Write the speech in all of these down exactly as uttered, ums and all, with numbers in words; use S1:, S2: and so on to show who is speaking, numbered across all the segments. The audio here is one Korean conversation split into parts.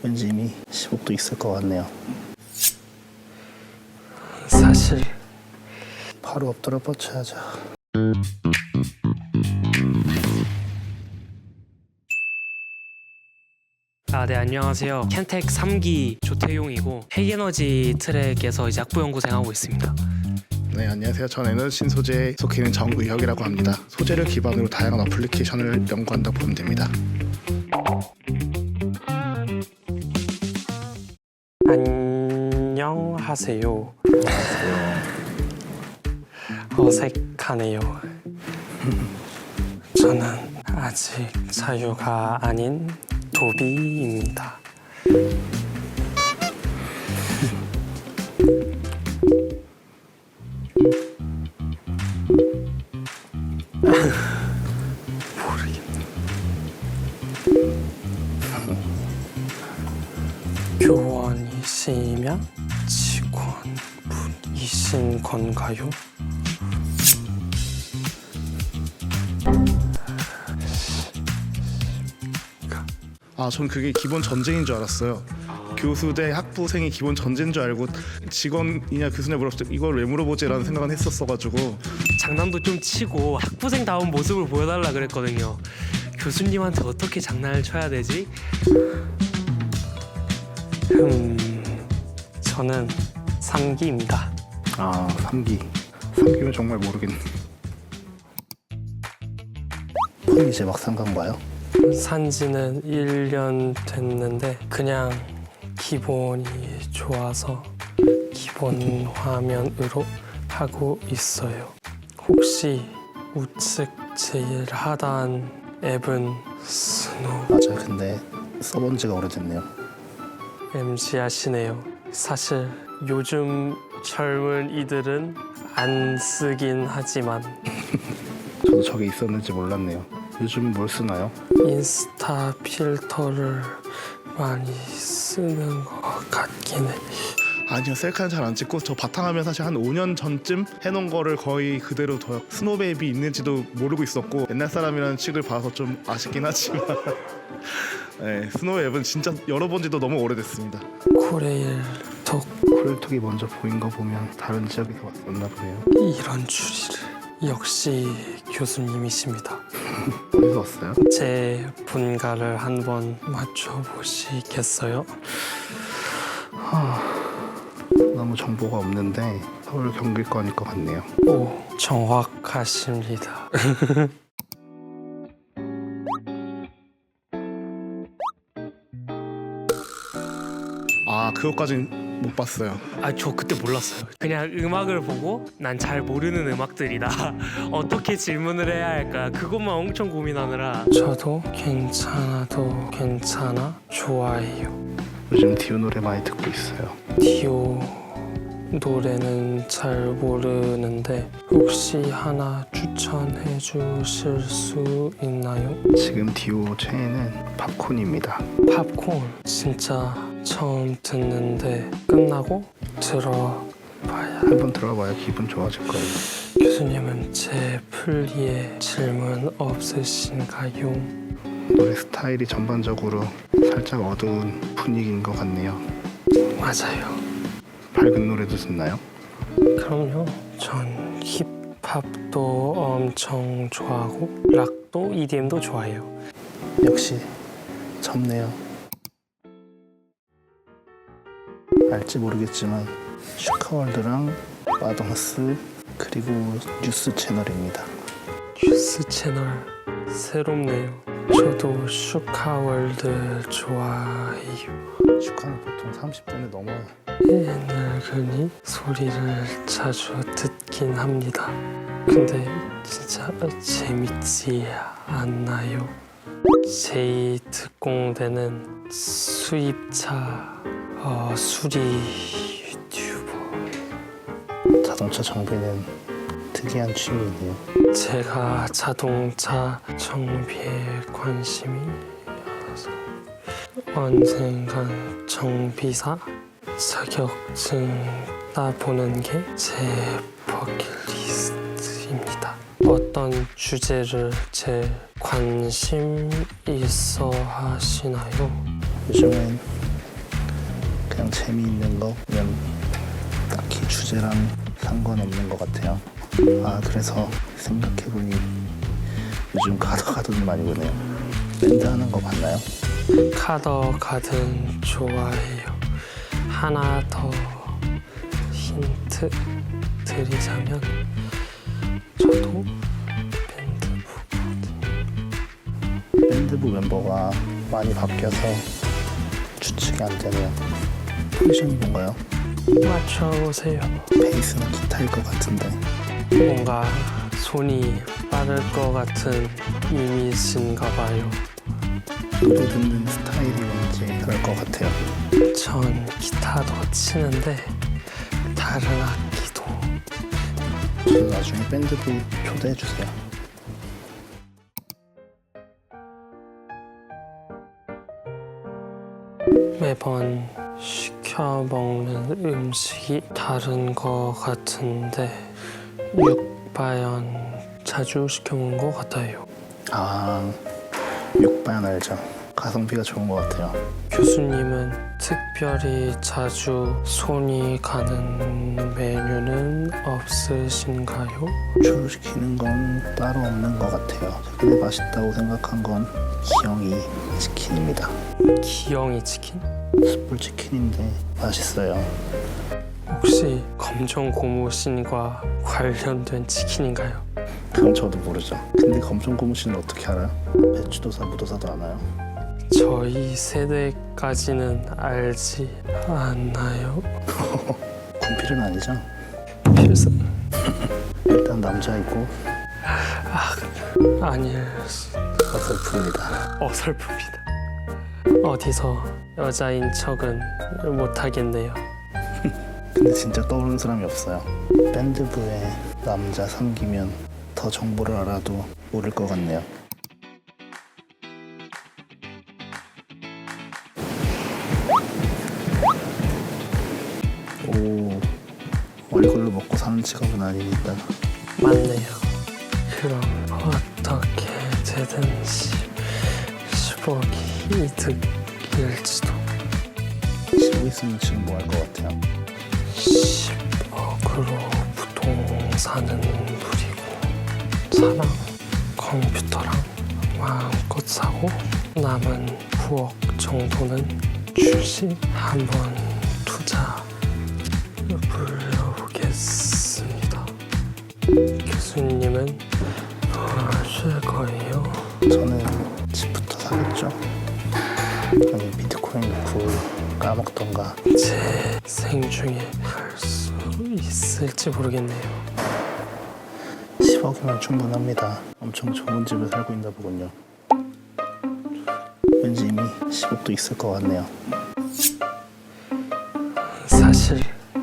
S1: 왠지 이미 십억도 있을 것 같네요.
S2: 사실
S1: 바로 엎드려 뻗쳐야죠.
S2: 아, 네, 안녕하세요. 켄텍 삼 기 조태용이고 핵에너지 트랙에서 이제 학부 연구생 하고 있습니다.
S3: 네, 안녕하세요. 저는 에너지 신소재에 속해 있는 정의혁이라고 합니다. 소재를 기반으로 다양한 어플리케이션을 연구한다고 보면 됩니다.
S2: 안녕하세요. 어색하네요. 저는 아직 자유가 아닌 도비입니다. 모르겠네. 교원이시면 직원분이신 건가요?
S3: 아, 전 그게 기본 전제인 줄 알았어요. 교수 대 학부생이 기본 전제인 줄 알고 직원이냐 교수냐 물었을 때 이걸 왜 물어보지라는 생각은 했었어가지고.
S2: 장난도 좀 치고 학부생다운 모습을 보여달라 그랬거든요. 교수님한테 어떻게 장난을 쳐야 되지? 음, 저는 삼 기입니다.
S3: 아, 삼 기. 삼 기면 정말 모르겠네.
S1: 폰이 이제 막상 간 거요?
S2: 산지는 일 년 됐는데 그냥 기본이 좋아서 기본 화면으로 하고 있어요. 혹시 우측 제일 하단 앱은 스노우
S1: 맞아요. 근데 써본 지가 오래됐네요.
S2: 엠씨 하시네요. 사실 요즘 젊은 이들은 안 쓰긴 하지만
S1: 저도 저게 있었는지 몰랐네요. 요즘 뭘 쓰나요?
S2: 인스타 필터를 많이 쓰는 것 같긴 해.
S3: 아니요, 셀카는 잘 안 찍고 저 바탕화면 사실 한 오 년 전쯤 해놓은 거를 거의 그대로 둬요. 스노우 앱이 있는지도 모르고 있었고 옛날 사람이라는 칙을 봐서 좀 아쉽긴 하지만 네, 스노우 앱은 진짜 열어본 지도 너무 오래됐습니다.
S2: 코레일톡
S1: 코레일톡이 먼저 보인 거 보면 다른 지역에서 왔었나 보네요.
S2: 이런 줄이를. 역시 교수님이십니다.
S1: 어디서 왔어요?
S2: 제 분가를 한번 맞춰보시겠어요?
S1: 너무 정보가 없는데 서울 경기권일 것 같네요.
S2: 오, 정확하십니다.
S3: 아, 그것까진 못 봤어요.
S2: 아, 저 그때 몰랐어요. 그냥 음악을 보고 난 잘 모르는 음악들이다. 어떻게 질문을 해야 할까? 그것만 엄청 고민하느라. 저도 괜찮아도 괜찮아 좋아해요.
S1: 요즘 디오 노래 많이 듣고 있어요.
S2: 디오 노래는 잘 모르는데 혹시 하나 추천해 주실 수 있나요?
S1: 지금 디오 최애는 팝콘입니다.
S2: 팝콘 진짜 처음 듣는데 끝나고 들어봐야.
S1: 한번 들어봐야 기분 좋아질 거예요.
S2: 교수님은 제 플리에 질문 없으신가요?
S1: 노래 스타일이 전반적으로 살짝 어두운 분위기인 것 같네요.
S2: 맞아요.
S1: 밝은 노래도 듣나요?
S2: 그럼요. 전 힙합도 엄청 좋아하고 락도 이디엠도 좋아해요.
S1: 역시 젊네요. 알지 모르겠지만 슈카월드랑 마동스 그리고 뉴스 채널입니다.
S2: 뉴스 채널 새롭네요. 저도 슈카월드 좋아해요.
S1: 슈카는 보통 삼십 분이 넘어요.
S2: 늙은이 소리를 자주 듣긴 합니다. 근데 진짜 재밌지 않나요? 제이 특공대는 수입차 어, 수리 유튜버.
S1: 자동차 정비는 특이한 취미이네요.
S2: 제가 자동차 정비에 관심이 있어서 언젠간 정비사 자격증 따보는 게 제 버킷리스트입니다. 어떤 주제를 제일 관심 있어 하시나요?
S1: 요즘엔 재미있는 거 그냥 딱히 주제랑 상관없는 것 같아요. 아 그래서 생각해보니 요즘 가더 가든을 많이 보네요. 밴드 하는 거 봤나요?
S2: 카더 가든 좋아해요. 하나 더 힌트 드리자면 저도 밴드부
S1: 밴드부 멤버가 많이 바뀌어서 추측이 안 되네요. 포지션이 뭔가요?
S2: 맞춰보세요.
S1: 베이스는 기타일 것 같은데.
S2: 뭔가 손이 빠를 것 같은 이미지인가 봐요.
S1: 노래 듣는 스타일이 왠지 그럴 것 같아요.
S2: 전 기타도 치는데 다른 악기도.
S1: 저 나중에 밴드부 초대해 주세요.
S2: 매번 시켜 먹는 음식이 다른 것 같은데 육바연 자주 시켜 먹는 것 같아요.
S1: 아 육바연 알죠? 가성비가 좋은 것 같아요.
S2: 교수님은 특별히 자주 손이 가는 메뉴는 없으신가요?
S1: 주로 시키는 건 따로 없는 것 같아요. 최근에 맛있다고 생각한 건 기영이 치킨입니다.
S2: 기영이 치킨?
S1: 숯불 치킨인데 맛있어요.
S2: 혹시 검정 고무신과 관련된 치킨인가요?
S1: 그건 저도 모르죠. 근데 검정 고무신은 어떻게 알아요? 배추도사 무도사도 아나요?
S2: 저희 세대까지는 알지 않나요?
S1: 군필은 아니죠?
S2: 필수
S1: 일단 남자이고
S2: 아닐
S1: 어설픕니다.
S2: 어설픕니다. 어디서 여자인 척은 못하겠네요.
S1: 근데 진짜 떠오르는 사람이 없어요. 밴드부에 남자 삼기면 더 정보를 알아도 모를 것 같네요. 오, 얼굴로 먹고 사는 직업은 아니니까.
S2: 맞네요. 그럼 어떻게 되든지 십억이 이득일지도.
S1: 쉬고 있으면 지금 뭐 할 것 같아요?
S2: 십억으로 부동산은 누리고 차랑 컴퓨터랑 마음껏 사고 남은 구억 정도는 주식 한번 투자 불러보겠습니다. 교수님은 뭐 하실 거예요?
S1: 저는 집부터 사겠죠. 아니 비트코인 넣고 까먹던가.
S2: 제 생중에 할 수 있을지 모르겠네요.
S1: 십억이면 충분합니다. 엄청 좋은 집에 살고 있나 보군요. 왠지 이미 십억도 있을 것 같네요.
S2: 사실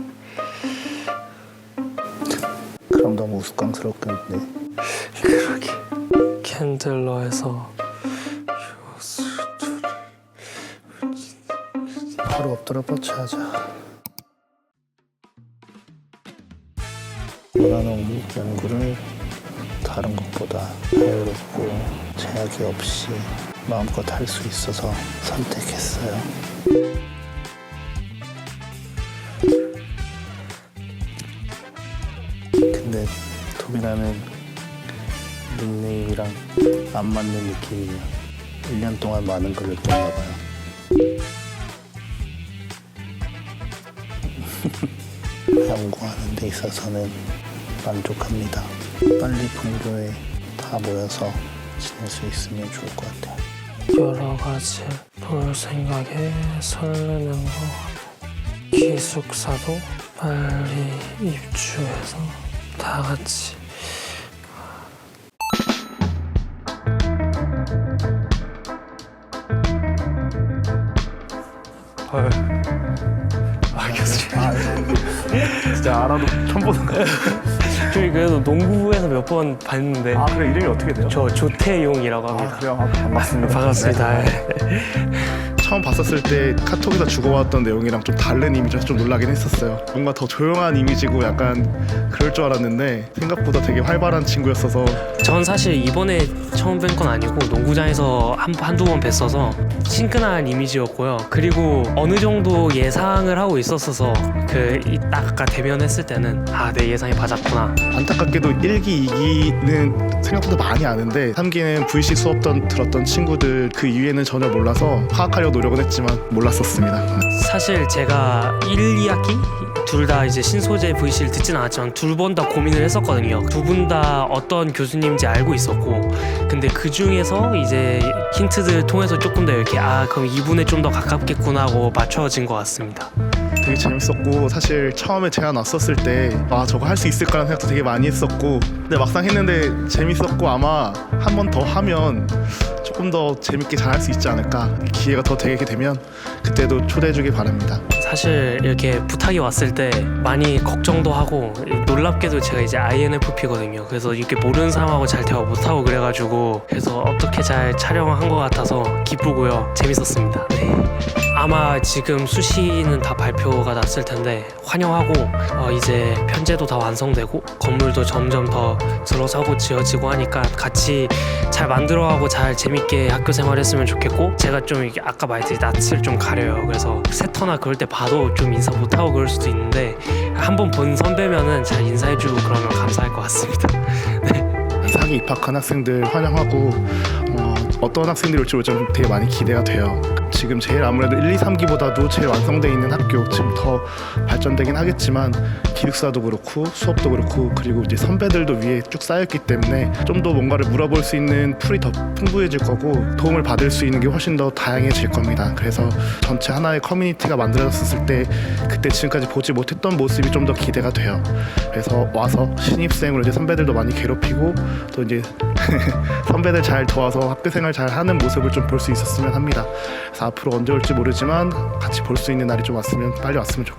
S1: 그럼 너무 우스꽝스럽겠는데.
S2: 그러게 캔들러에서
S1: 바로 엎드려 뻗쳐야죠. 원하는 연구를 다른 것보다 자유롭고 제약이 없이 마음껏 할 수 있어서 선택했어요. 근데 톱이라는 닉네임이랑 안 맞는 느낌이에요. 일 년 동안 많은 걸 느꼈나 봐요. 연구하는 데 있어서는 만족합니다. 빨리 분교에 다 모여서 지낼 수 있으면 좋을 것 같아요.
S2: 여러 가지 볼 생각에 설레는 거 같고 기숙사도 빨리 입주해서 다 같이 헐. 아 교수님
S3: 진짜 알아도 처음 보는 거.
S2: 저희 그래도 농구부에서 몇 번 봤는데
S3: 아 그래 이름이 어떻게 돼요?
S2: 저 조태용이라고 합니다.
S3: 아, 그래요? 아, 반갑습니다.
S2: 반갑습니다.
S3: 네. 처음 봤었을 때 카톡에서 주고받았던 내용이랑 좀 다른 이미지여서 좀 놀라긴 했었어요. 뭔가 더 조용한 이미지고 약간 그럴 줄 알았는데 생각보다 되게 활발한 친구였어서
S2: 전 사실 이번에 처음 뵌 건 아니고 농구장에서 한, 한두 번 뵀어서 친근한 이미지였고요. 그리고 어느 정도 예상을 하고 있었어서 그 딱 아까 대면했을 때는 아, 내 예상이 맞았구나.
S3: 안타깝게도 일 기, 이 기는 생각보다 많이 아는데 삼 기는 브이씨 수업 던 들었던 친구들 그 이후에는 전혀 몰라서 파악하려고 노력은 했지만 몰랐었습니다.
S2: 사실 제가 일, 이 학기 둘 다 이제 신소재 브이씨를 듣진 않았지만 둘 번 다 고민을 했었거든요. 두 분 다 어떤 교수님인지 알고 있었고, 근데 그 중에서 이제 힌트들 통해서 조금 더 이렇게 아, 그럼 이분에 좀 더 가깝겠구나 하고 맞춰진 것 같습니다.
S3: 되게 재밌었고 사실 처음에 제안 왔었을 때 아 저거 할 수 있을까라는 생각도 되게 많이 했었고 근데 막상 했는데 재밌었고 아마 한 번 더 하면 조금 더 재밌게 잘 할 수 있지 않을까. 기회가 더 되게 되면 그때도 초대해 주길 바랍니다.
S2: 사실 이렇게 부탁이 왔을 때 많이 걱정도 하고 놀랍게도 제가 이제 아이엔에프피거든요. 그래서 이렇게 모르는 사람하고 잘 대화 못하고 그래가지고 그래서 어떻게 잘 촬영한 것 같아서 기쁘고요. 재밌었습니다. 네. 아마 지금 수시는 다 발표가 났을 텐데 환영하고 어 이제 편제도 다 완성되고 건물도 점점 더 들어서고 지어지고 하니까 같이 잘 만들어가고 잘 재밌게 학교 생활했으면 좋겠고 제가 좀 이게 아까 말했듯이 낯을 좀 가려요. 그래서 세터나 그럴 때 봐도 좀 인사 못하고 그럴 수도 있는데 한번 본 선배면은 잘 인사해주고 그러면 감사할 것 같습니다.
S3: 사 기 입학한 학생들 환영하고 어, 어떤 학생들이 올지 좀 되게 많이 기대가 돼요. 지금 제일 아무래도 일, 이, 삼 기보다도 제일 완성되어 있는 학교, 지금 더 발전되긴 하겠지만 기숙사도 그렇고 수업도 그렇고 그리고 이제 선배들도 위에 쭉 쌓였기 때문에 좀 더 뭔가를 물어볼 수 있는 풀이 더 풍부해질 거고 도움을 받을 수 있는 게 훨씬 더 다양해질 겁니다. 그래서 전체 하나의 커뮤니티가 만들어졌을 때 그때 지금까지 보지 못했던 모습이 좀 더 기대가 돼요. 그래서 와서 신입생으로 이제 선배들도 많이 괴롭히고 또 이제 선배들 잘 도와서 학교 생활 잘 하는 모습을 좀 볼 수 있었으면 합니다. 그래서 앞으로 언제 올지 모르지만 같이 볼 수 있는 날이 좀 왔으면 빨리 왔으면 좋겠습니다.